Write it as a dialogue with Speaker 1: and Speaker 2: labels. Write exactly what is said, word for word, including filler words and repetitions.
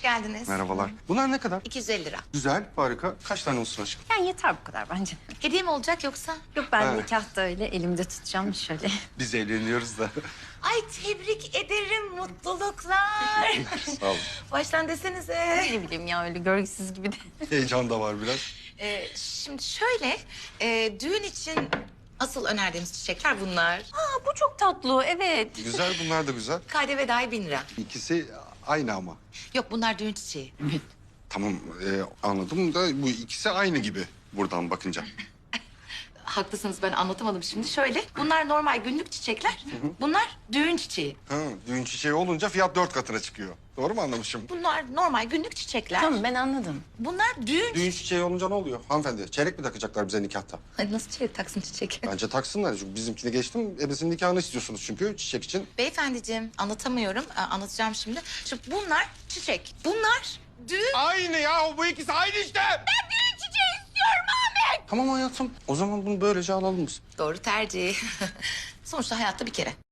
Speaker 1: geldiniz.
Speaker 2: Merhabalar. Bunlar ne kadar?
Speaker 1: iki yüz elli lira.
Speaker 2: Güzel, harika. Kaç tane olsun aşkım?
Speaker 3: Yani yeter bu kadar bence.
Speaker 1: Hediye mi olacak yoksa?
Speaker 3: Yok ben
Speaker 2: Ha.
Speaker 3: nikahta öyle elimde tutacağım şöyle.
Speaker 2: Biz evleniyoruz da.
Speaker 1: Ay tebrik ederim, mutluluklar.
Speaker 2: Sağ olun.
Speaker 1: Baştan desenize.
Speaker 3: Ne bileyim ya öyle görgüsüz gibi de.
Speaker 2: Heyecan da var biraz.
Speaker 1: Ee, şimdi şöyle, e, düğün için asıl önerdiğimiz çiçekler bunlar.
Speaker 3: Aa bu çok tatlı evet.
Speaker 2: Güzel, bunlar da güzel.
Speaker 1: K D V dahil bin lira.
Speaker 2: İkisi aynı ama.
Speaker 1: Yok bunlar düğün çiçeği.
Speaker 2: Tamam, e, anladım da bu ikisi aynı gibi buradan bakınca.
Speaker 1: Haklısınız, ben anlatamadım şimdi. Şöyle, bunlar normal günlük çiçekler. Bunlar düğün çiçeği.
Speaker 2: Ha, düğün çiçeği olunca fiyat dört katına çıkıyor. Doğru mu anlamışım?
Speaker 1: Bunlar normal günlük çiçekler.
Speaker 3: Tamam ben anladım.
Speaker 1: Bunlar düğün...
Speaker 2: Düğün çiçeği olunca ne oluyor hanımefendi? Çeyrek mi takacaklar bize nikahta?
Speaker 1: Ay, nasıl çiçek taksın çiçek?
Speaker 2: Bence taksınlar. Çünkü bizimkini geçtim. Ebesinin nikahını istiyorsunuz çünkü çiçek için.
Speaker 1: Beyefendiciğim, anlatamıyorum. Aa, anlatacağım şimdi. Şimdi bunlar çiçek. Bunlar düğün...
Speaker 2: Aynı ya, bu ikisi aynı işte.
Speaker 1: Ben düğün çiçeği istiyorum Ahmet.
Speaker 2: Tamam hayatım. O zaman bunu böylece alalım biz.
Speaker 1: Doğru tercih. Sonuçta hayatta bir kere.